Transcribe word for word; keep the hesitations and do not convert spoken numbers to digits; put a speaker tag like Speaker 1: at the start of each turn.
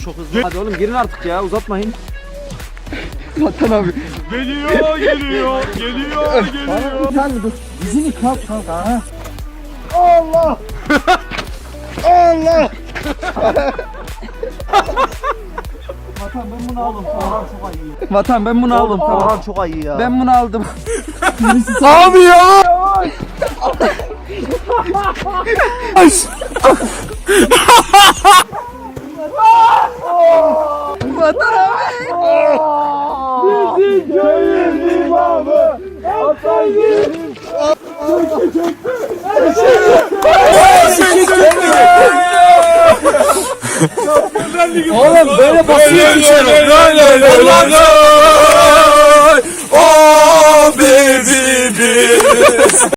Speaker 1: çok hızlı. Hadi oğlum girin artık ya, uzatmayın.
Speaker 2: Vatan abi.
Speaker 3: Geliyor, geliyor, geliyor, geliyor.
Speaker 2: Sen dur. Dizini kalk kalk ha. Allah. Allah. Vatan ben bunu aldım. Tamam çok iyi. Vatan ben bunu aldım. Tamam
Speaker 1: çok iyi ya.
Speaker 2: ben bunu aldım.
Speaker 3: Abi ya.
Speaker 2: Vatan abi.
Speaker 3: Bizi köyün imamı. Atayım.
Speaker 2: Oğlum böyle basıyor bir şey.
Speaker 3: Oh baby.